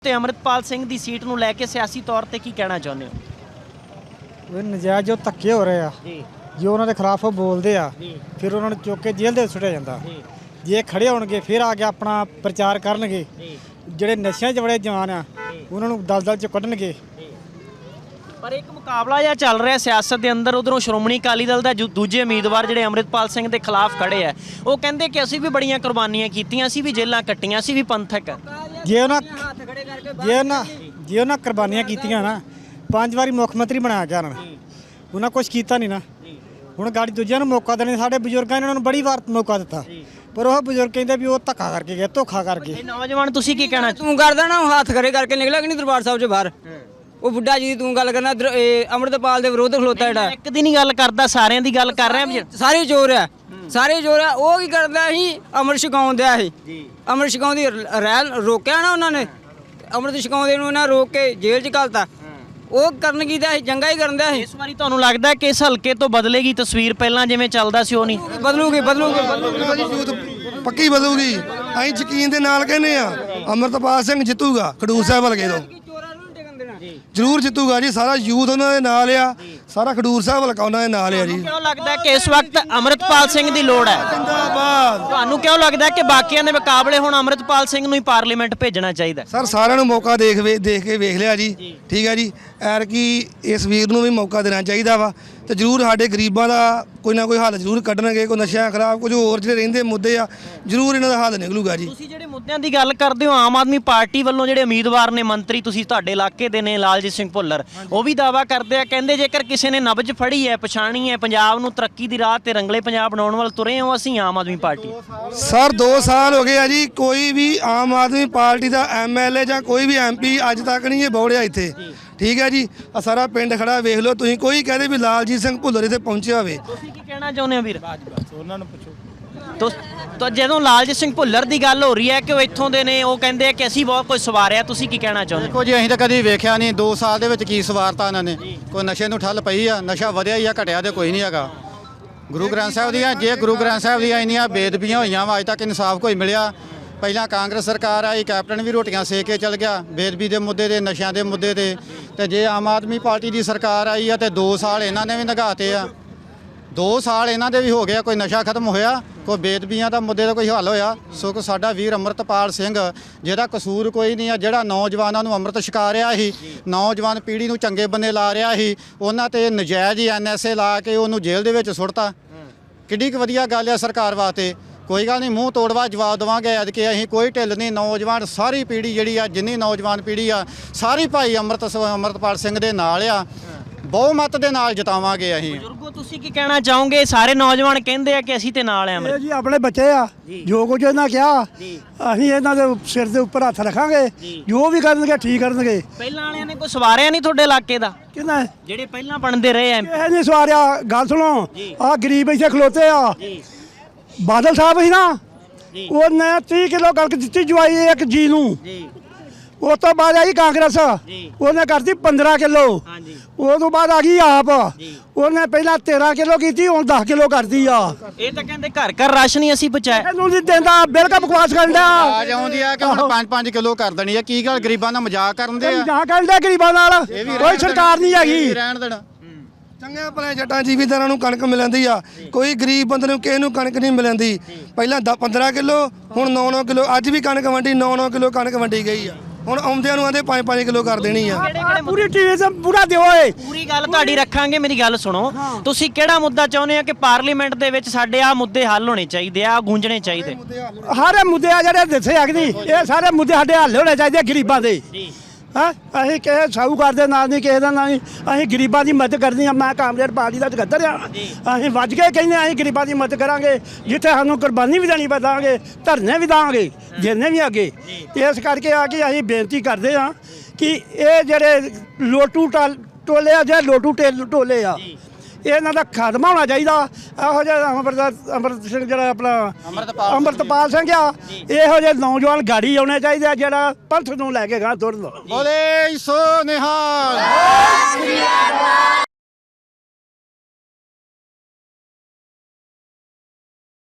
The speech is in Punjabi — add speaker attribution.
Speaker 1: ਤੇ ਅਮਰਿਤਪਾਲ ਸਿੰਘ ਦੀ ਸੀਟ ਨੂੰ ਲੈ ਕੇ ਸਿਆਸੀ ਤੌਰ ਤੇ ਕੀ ਕਹਿਣਾ ਚਾਹੁੰਦੇ ਹੋ?
Speaker 2: ਉਹ ਨਜਾਇਜ਼ ਜੋ ਧੱਕੇ ਹੋ ਰਹੇ ਆ
Speaker 1: ਜੀ
Speaker 2: ਜੋ ਉਹਨਾਂ ਦੇ ਖਿਲਾਫ ਉਹ ਬੋਲਦੇ ਆ
Speaker 1: ਜੀ
Speaker 2: ਫਿਰ ਉਹਨਾਂ ਨੂੰ ਚੁੱਕ ਕੇ ਜੇਲ੍ਹ ਦੇ ਸੁੱਟਿਆ ਜਾਂਦਾ।
Speaker 1: ਜੀ
Speaker 2: ਜੇ ਖੜੇ ਹੋਣਗੇ ਫਿਰ ਆ ਕੇ ਆਪਣਾ ਪ੍ਰਚਾਰ ਕਰਨਗੇ।
Speaker 1: ਜੀ
Speaker 2: ਜਿਹੜੇ ਨਸ਼ਿਆਂ 'ਚ ਬੜੇ ਜਵਾਨ ਆ ਉਹਨਾਂ ਨੂੰ ਦਲਦਲ 'ਚ ਕੱਢਣਗੇ।
Speaker 1: ਪਰ ਇੱਕ ਮੁਕਾਬਲਾ ਜਿਹਾ ਚੱਲ ਰਿਹਾ ਸਿਆਸਤ ਦੇ ਅੰਦਰ। ਉਧਰੋਂ ਸ਼੍ਰੋਮਣੀ ਅਕਾਲੀ ਦਲ ਦਾ ਦੂਜੇ ਉਮੀਦਵਾਰ ਜਿਹੜੇ ਅਮਰਿਤਪਾਲ ਸਿੰਘ ਦੇ ਖਿਲਾਫ ਖੜੇ ਆ, ਉਹ ਕਹਿੰਦੇ ਕਿ ਅਸੀਂ ਵੀ ਬੜੀਆਂ ਕੁਰਬਾਨੀਆਂ ਕੀਤੀਆਂ, ਅਸੀਂ ਵੀ ਜੇਲ੍ਹਾਂ ਕੱਟੀਆਂ, ਅਸੀਂ ਵੀ ਪੰਥਕ।
Speaker 2: ਜੇ ਉਹਨਾਂ ਕੁਰਬਾਨੀਆਂ ਕੀਤੀਆਂ ਨਾ 5 ਵਾਰੀ ਮੁੱਖ ਮੰਤਰੀ ਬਣਾਇਆ ਗਿਆ ਉਹਨਾਂ ਕੁਝ ਕੀਤਾ ਨਹੀਂ ਨਾ। ਹੁਣ ਗਾੜੀ ਦੂਜਿਆਂ ਨੂੰ ਮੌਕਾ ਦੇਣੇ। ਸਾਡੇ ਬਜ਼ੁਰਗਾਂ ਨੇ ਉਹਨਾਂ ਨੂੰ ਬੜੀ ਵਾਰ ਮੌਕਾ ਦਿੱਤਾ, ਪਰ ਉਹ ਬਜ਼ੁਰਗ ਕਹਿੰਦੇ ਵੀ ਉਹ ਧੱਕਾ ਕਰਕੇ ਗਏ, ਧੋਖਾ ਕਰਕੇ।
Speaker 1: ਨੌਜਵਾਨ ਤੁਸੀਂ ਕੀ ਕਹਿਣਾ?
Speaker 3: ਤੂੰ ਕਰਦਾ ਨਾ ਹੱਥ ਖੜੇ ਕਰਕੇ ਨਿਕਲਿਆ ਕਿ ਨਹੀਂ ਦਰਬਾਰ ਸਾਹਿਬ 'ਚ ਬਾਹਰ? ਉਹ ਬੁੱਢਾ ਜੀ ਦੀ ਤੂੰ ਗੱਲ ਕਰਨਾ, ਅੰਮ੍ਰਿਤਪਾਲ ਦੇ ਵਿਰੋਧ ਖਲੋਤਾ ਜਿਹੜਾ।
Speaker 1: ਇੱਕ ਦੀ ਨਹੀਂ ਗੱਲ ਕਰਦਾ, ਸਾਰਿਆਂ ਦੀ ਗੱਲ ਕਰ ਰਿਹਾ।
Speaker 3: ਸਾਰੇ ਚੋਰ ਆ, ਸਾਰੇ ਚੋਰ ਆ। ਉਹ ਕੀ ਕਰਦਾ ਸੀ? ਅੰਮ੍ਰਿਤ ਛਕਾਉਣ ਦਿਆ ਸੀ। ਅੰਮ੍ਰਿਤ ਛਕਾਉਣ ਦੀ ਰੈਲ ਰੋਕਿਆ ਨਾ ਉਹਨਾਂ ਨੇ, ਅੰਮ੍ਰਿਤ ਛਕਾਉਂਦੇ ਨੂੰ ਉਹਨਾਂ ਰੋਕ ਕੇ ਜੇਲ੍ਹ 'ਚ ਘਲਤਾ। ਉਹ ਕਰਨ ਕੀ ਦਿਆ ਸੀ? ਜੰਗਾ ਹੀ ਕਰਨ ਦਿਆ ਸੀ।
Speaker 1: ਇਸ ਵਾਰੀ ਤੁਹਾਨੂੰ ਲੱਗਦਾ ਕਿ ਇਸ ਹਲਕੇ ਤੋਂ ਬਦਲੇਗੀ ਤਸਵੀਰ? ਪਹਿਲਾਂ ਜਿਵੇਂ ਚੱਲਦਾ ਸੀ ਉਹ ਨਹੀਂ
Speaker 3: ਬਦਲੂਗੀ।
Speaker 4: ਪੱਕੀ ਬਦਲੂਗੀ। ਅਸੀਂ ਯਕੀਨ ਦੇ ਨਾਲ ਕਹਿੰਦੇ ਆ ਅਮਰਿਤਪਾਲ ਸਿੰਘ ਜਿੱਤੂਗਾ ਖਡੂਰ ਸਾਹਿਬ ਹਲਕੇ ਤੋਂ। ਜ਼ਰੂਰ ਜਿੱਤੂਗਾ ਜੀ। ਸਾਰਾ ਯੂਥ ਉਹਨਾਂ ਦੇ ਨਾਲ ਆ, ਸਾਰਾ ਖਡੂਰ ਸਾਹਿਬ ਹਲਕਾ ਉਹਨਾਂ ਦੇ ਨਾਲ ਆ ਜੀ।
Speaker 1: ਕਿਉਂ ਲੱਗਦਾ ਕਿ ਇਸ ਵਕਤ ਅਮਰਿਤਪਾਲ ਸਿੰਘ ਦੀ ਲੋੜ ਹੈ?
Speaker 4: ਜਿੰਦਾਬਾਦ।
Speaker 1: ਤੁਹਾਨੂੰ ਕਿਉਂ ਲੱਗਦਾ ਕਿ ਬਾਕੀਆਂ ਦੇ ਮੁਕਾਬਲੇ ਹੁਣ ਅਮਰਿਤਪਾਲ ਸਿੰਘ ਨੂੰ ਹੀ ਪਾਰਲੀਮੈਂਟ ਭੇਜਣਾ ਚਾਹੀਦਾ?
Speaker 4: ਸਰ ਸਾਰਿਆਂ ਨੂੰ ਮੌਕਾ ਦੇਖ ਕੇ ਵੇਖ ਲਿਆ ਜੀ। ਠੀਕ ਹੈ ਜੀ। ਐਰਕੀ ਇਸ ਵੀਰ ਨੂੰ ਵੀ ਮੌਕਾ ਦੇਣਾ ਚਾਹੀਦਾ ਵਾ ਤੇ ਜ਼ਰੂਰ ਸਾਡੇ ਗਰੀਬਾਂ ਦਾ ਕੋਈ ਨਾ ਕੋਈ ਹੱਲ ਜ਼ਰੂਰ ਕੱਢਣਗੇ। ਕੋਈ ਨਸ਼ਿਆਂ ਖਿਲਾਫ ਕੁਝ ਹੋਰ ਜਿਹੜੇ ਰਹਿੰਦੇ ਮੁੱਦੇ ਆ, ਜ਼ਰੂਰ ਇਹਨਾਂ ਦਾ ਹੱਲ ਨਿਕਲੂਗਾ ਜੀ।
Speaker 1: ਤੁਸੀਂ ਜਿਹੜੇ ਮੁੱਦਿਆਂ ਦੀ ਗੱਲ ਕਰਦੇ ਹੋ, ਆਮ ਆਦਮੀ ਪਾਰਟੀ ਵੱਲੋਂ ਜਿਹੜੇ ਉਮੀਦਵਾਰ ਨੇ ਮੰਤਰੀ, ਤੁਸੀਂ ਤੁਹਾਡੇ ਇਲਾਕੇ ਦੇ ਨੇ ਲਾਲਜੀਤ ਸਿੰਘ ਭੁੱਲਰ, ਉਹ ਵੀ ਦਾਅਵਾ ਕਰਦੇ ਆ, ਕਹਿੰਦੇ ਜੇਕਰ ਕਿਸੇ ਨੇ ਨਬਜ਼ ਫੜੀ ਹੈ, ਪਛਾਣੀ ਹੈ, ਪੰਜਾਬ ਨੂੰ ਤਰੱਕੀ ਦੀ ਰਾਹ ਤੇ ਰੰਗਲੇ ਪੰਜਾਬ ਬਣਾਉਣ ਵੱਲ ਤੁਰੇ ਹੋ, ਅਸੀਂ ਆਮ ਆਦਮੀ ਪਾਰਟੀ।
Speaker 4: ਸਰ 2 ਸਾਲ ਹੋ ਗਏ ਆ ਜੀ। ਕੋਈ ਵੀ ਆਮ ਆਦਮੀ ਪਾਰਟੀ ਦਾ ਐਮਐਲਏ ਜਾਂ ਕੋਈ ਵੀ ਐਮਪੀ ਅੱਜ ਤੱਕ ਨਹੀਂ ਇਹ ਬੌੜਿਆ ਇੱਥੇ। ਠੀਕ ਹੈ ਜੀ। ਆ ਸਾਰਾ ਪਿੰਡ ਖੜਾ ਵੇਖ ਲਓ ਤੁਸੀਂ। ਕੋਈ ਕਹਦੇ ਵੀ ਲਾਲਜੀਤ ਸਿੰਘ ਭੁੱਲਰ ਇੱਥੇ ਪਹੁੰਚਿਆ ਹੋਵੇ।
Speaker 1: ਤੁਸੀਂ ਕੀ ਕਹਿਣਾ ਚਾਹੁੰਦੇ ਹੋ ਵੀਰ? ਉਹਨਾਂ ਨੂੰ ਪੁੱਛੋ। ਤਾਂ ਜਦੋਂ ਲਾਲਜੀਤ ਸਿੰਘ ਭੁੱਲਰ ਦੀ ਗੱਲ ਹੋ ਰਹੀ ਹੈ ਕਿ ਉਹ ਇੱਥੋਂ ਦੇ ਨੇ, ਉਹ ਕਹਿੰਦੇ ਆ ਕਿ ਅਸੀਂ ਬਹੁਤ ਕੁਝ ਸਵਾਰਿਆ, ਤੁਸੀਂ ਕੀ ਕਹਿਣਾ ਚਾਹੁੰਦੇ?
Speaker 5: ਦੇਖੋ ਜੀ, ਅਸੀਂ ਤਾਂ ਕਦੀ ਵੇਖਿਆ ਨਹੀਂ 2 ਸਾਲ ਦੇ ਵਿੱਚ ਕੀ ਸਵਾਰਤਾ ਇਹਨਾਂ ਨੇ। ਕੋਈ ਨਸ਼ੇ ਨੂੰ ਠੱਲ ਪਈ ਆ? ਨਸ਼ਾ ਵਧਿਆ ਹੀ ਆ, ਘਟਿਆ ਤੇ ਕੋਈ ਨਹੀਂ ਹੈਗਾ। ਗੁਰੂ ਗ੍ਰੰਥ ਸਾਹਿਬ ਦੀਆਂ ਇੰਨੀਆਂ ਬੇਅਦਬੀਆਂ ਹੋਈਆਂ ਵਾ, ਅੱਜ ਤੱਕ ਇਨਸਾਫ ਕੋਈ ਮਿਲਿਆ। ਪਹਿਲਾਂ ਕਾਂਗਰਸ ਸਰਕਾਰ ਆਈ, ਕੈਪਟਨ ਵੀ ਰੋਟੀਆਂ ਸੇਕ ਕੇ ਚਲ ਗਿਆ ਬੇਅਦਬੀ ਦੇ ਮੁੱਦੇ ਤੇ, ਨਸ਼ਿਆਂ ਦੇ ਮੁੱਦੇ ਤੇ ਜੇ ਆਮ ਆਦਮੀ ਪਾਰਟੀ ਦੀ ਸਰਕਾਰ ਆਈ ਆ ਤੇ 2 ਸਾਲ ਇਹਨਾਂ ਨੇ ਵੀ ਨਿਗਾਹਤੇ ਆ। 2 ਸਾਲ ਇਹਨਾਂ ਦੇ ਵੀ ਹੋ ਗਿਆ, ਕੋਈ ਨਸ਼ਾ ਖਤਮ ਹੋਇਆ, ਕੋਈ ਬੇਅਦਬੀਆਂ ਦਾ ਮੁੱਦੇ ਦਾ ਕੋਈ ਹੱਲ ਹੋਇਆ? ਸੋ ਸਾਡਾ ਵੀਰ ਅਮਰਿਤਪਾਲ ਸਿੰਘ, ਜਿਹਦਾ ਕਸੂਰ ਕੋਈ ਨਹੀਂ ਆ, ਜਿਹੜਾ ਨੌਜਵਾਨਾਂ ਨੂੰ ਅੰਮ੍ਰਿਤ ਛਕਾ ਰਿਹਾ ਸੀ, ਨੌਜਵਾਨ ਪੀੜ੍ਹੀ ਨੂੰ ਚੰਗੇ ਬੰਨੇ ਲਾ ਰਿਹਾ ਸੀ, ਉਹਨਾਂ ਤੇ ਨਜਾਇਜ਼ ਹੀ NSA ਲਾ ਕੇ ਉਹਨੂੰ ਜੇਲ੍ਹ ਦੇ ਵਿੱਚ ਸੁੱਟਤਾ। ਕਿੱਡੀ ਕੁ ਵਧੀਆ ਗੱਲ ਆ ਸਰਕਾਰ ਵਾਸਤੇ। ਕੋਈ ਗੱਲ ਨਹੀਂ, ਮੂੰਹ ਤੋੜਵਾ ਜਵਾਬ ਦੇਵਾਂਗੇ। ਅੱਜ ਕਿ ਅਸੀਂ ਕੋਈ ਢਿੱਲ ਨਹੀਂ। ਨੌਜਵਾਨ ਸਾਰੀ ਪੀੜ੍ਹੀ ਜਿਹੜੀ ਆ, ਜਿੰਨੀ ਨੌਜਵਾਨ ਪੀੜ੍ਹੀ ਆ, ਸਾਰੀ ਭਾਈ ਅਮਰਿਤਪਾਲ ਸਿੰਘ ਦੇ ਨਾਲ ਆ। ਬਹੁਮਤ ਦੇ ਨਾਲ ਜਿਤਾਵਾਂਗੇ ਅਸੀਂ।
Speaker 1: ਬਜ਼ੁਰਗੋ, ਤੁਸੀਂ ਕੀ ਕਹਿਣਾ ਚਾਹੋਗੇ? ਸਾਰੇ ਨੌਜਵਾਨ ਕਹਿੰਦੇ ਆ ਕਿ ਅਸੀਂ ਤੇ ਨਾਲ ਆ।
Speaker 2: ਇਹ ਜੀ ਆਪਣੇ ਬੱਚੇ ਆ, ਜੋ ਕੁਝ ਇਹਨਾਂ ਕਿਹਾ ਅਸੀਂ ਇਹਨਾਂ ਦੇ ਸਿਰ ਦੇ ਉੱਪਰ ਹੱਥ ਰੱਖਾਂਗੇ। ਜੋ ਵੀ ਕਰਨਗੇ ਠੀਕ ਕਰਨਗੇ।
Speaker 1: ਪਹਿਲਾਂ ਵਾਲਿਆਂ ਨੇ ਕੋਈ ਸਵਾਰਿਆ ਨਹੀਂ ਤੁਹਾਡੇ ਇਲਾਕੇ ਦਾ?
Speaker 2: ਕਿਹਨਾਂ
Speaker 1: ਜਿਹੜੇ ਪਹਿਲਾਂ ਬਣਦੇ ਰਹੇ ਐ?
Speaker 2: ਇਹ ਨਹੀਂ ਸਵਾਰਿਆ। ਗੱਲ ਸੁਣੋ, ਆਹ ਗਰੀਬ ਇੱਥੇ ਖਲੋਤੇ ਆ। ਬਾਦਲ ਸਾਹਿਬ ਸੀ ਨਾ, ਉਹਨੇ 30 ਕਿਲੋ ਕਣਕ ਦਿੱਤੀ ਜਵਾਈ ਇੱਕ ਜੀ ਨੂੰ। ਉਸ ਤੋਂ ਬਾਅਦ ਆਈ ਕਾਂਗਰਸ, ਉਹਨੇ ਕਰਤੀ 15 ਕਿਲੋ। ਉਹ ਤੋਂ ਬਾਅਦ ਆ ਗਈ ਆਪ, ਉਹਨੇ ਪਹਿਲਾਂ 13 ਕਿਲੋ ਕੀਤੀ, ਹੁਣ 10 ਕਿਲੋ ਕਰਦੀ ਆ।
Speaker 1: ਇਹ ਤਾਂ ਕਹਿੰਦੇ ਘਰ ਘਰ ਰਾਸ਼ਨ ਹੀ ਅਸੀਂ ਪਹੁੰਚਾਇਆ।
Speaker 2: ਇਹਨੂੰ ਨਹੀਂ ਦਿੰਦਾ, ਬਿਲਕੁਲ ਬਕਵਾਸ ਕਰਦਾ।
Speaker 5: ਆਜ ਆਉਂਦੀ ਆ ਕਿ ਹੁਣ 5-5 ਕਿਲੋ ਕਰ ਦੇਣੀ ਆ। ਕੀ ਗੱਲ, ਗਰੀਬਾਂ ਦਾ ਮਜ਼ਾਕ ਕਰਨ ਦੇ ਆ?
Speaker 2: ਜਾਂ ਕਰਦੇ ਗਰੀਬਾਂ ਨਾਲ ਕੋਈ ਸਰਕਾਰ ਨਹੀਂ ਹੈਗੀ।
Speaker 5: ਰਹਿਣ ਦੇਣਾ।
Speaker 4: ਚੰਗੇ ਭਲੇ ਜੱਟਾਂ ਜ਼ਿਮੀਂਦਾਰਾਂ ਨੂੰ ਕਣਕ ਮਿਲਦੀ ਆ, ਕੋਈ ਗਰੀਬ ਬੰਦੇ ਨੂੰ ਕਿਸੇ ਨੂੰ ਕਣਕ ਨਹੀਂ ਮਿਲਦੀ। ਪਹਿਲਾਂ 15 ਕਿਲੋ, ਹੁਣ 9-9 ਕਿਲੋ। ਅੱਜ ਵੀ ਕਣਕ ਵੰਡੀ, 9-9 ਕਿਲੋ ਕਣਕ ਵੰਡੀ ਗਈ ਆ। ਹੁਣ ਆਉਂਦਿਆਂ ਨੂੰ ਆਂਦੇ 5-5 ਕਿਲੋ ਕਰ ਦੇਣੀ ਆ।
Speaker 2: ਪੂਰੀ ਟੀਵੀ ਤੇ ਪੂਰਾ ਦਿਓ ਏ।
Speaker 1: ਪੂਰੀ ਗੱਲ ਤੁਹਾਡੀ ਰੱਖਾਂਗੇ। ਮੇਰੀ ਗੱਲ ਸੁਣੋ, ਤੁਸੀਂ ਕਿਹੜਾ ਮੁੱਦਾ ਚਾਹੁੰਦੇ ਆ ਕਿ ਪਾਰਲੀਮੈਂਟ ਦੇ ਵਿੱਚ ਸਾਡੇ ਆ ਮੁੱਦੇ ਹੱਲ ਹੋਣੇ ਚਾਹੀਦੇ ਆ, ਗੂੰਜਣੇ ਚਾਹੀਦੇ?
Speaker 2: ਸਾਰੇ ਮੁੱਦੇ ਆ ਜਿਹੜੇ ਦੱਸੇ ਆਖਦੀ, ਇਹ ਸਾਰੇ ਮੁੱਦੇ ਸਾਡੇ ਹੱਲ ਹੋਣੇ ਚਾਹੀਦੇ ਗਰੀਬਾਂ ਦੇ। ਹਾਂ, ਅਸੀਂ ਕਿਸੇ ਸਾਹੂਕਾਰ ਦੇ ਨਾਲ ਨਹੀਂ, ਕਿਸੇ ਦਾ ਨਹੀਂ। ਅਸੀਂ ਗਰੀਬਾਂ ਦੀ ਮਦਦ ਕਰਨੀ ਆ। ਮੈਂ ਕਾਮਰੇਡ ਪਾਰਟੀ ਦਾ ਜਗੱਦਰ ਆ। ਅਸੀਂ ਵੱਜ ਕੇ ਕਹਿੰਦੇ ਅਸੀਂ ਗਰੀਬਾਂ ਦੀ ਮਦਦ ਕਰਾਂਗੇ। ਜਿੱਥੇ ਸਾਨੂੰ ਕੁਰਬਾਨੀ ਵੀ ਦੇਣੀ ਪਵਾਂਗੇ, ਧਰਨੇ ਵੀ ਦਾਂਗੇ, ਜਿੰਨੇ ਵੀ ਅੱਗੇ। ਇਸ ਕਰਕੇ ਆ ਕੇ ਅਸੀਂ ਬੇਨਤੀ ਕਰਦੇ ਆ ਕਿ ਇਹ ਜਿਹੜੇ ਲੋਟੂ ਟੋਲੇ ਆ, ਜਿਹੜੇ ਲੋਟੂ ਟੋਲੇ ਆ, ਇਹਨਾਂ ਦਾ ਖਾਤਮਾ ਹੋਣਾ ਚਾਹੀਦਾ। ਇਹੋ ਜਿਹਾ ਅੰਮ੍ਰਿਤ ਸਿੰਘ ਜਿਹੜਾ ਆਪਣਾ ਅਮਰਿਤਪਾਲ ਸਿੰਘ ਆ, ਇਹੋ ਜਿਹੇ ਨੌਜਵਾਨ ਗਾੜੀ ਆਉਣੇ ਚਾਹੀਦੇ ਆ, ਜਿਹੜਾ ਪੰਥ ਨੂੰ ਲੈ ਕੇ ਗਾਂ ਤੁਰਨ।
Speaker 5: ਬੋਲੇ ਸੋ ਨਿਹਾਲ।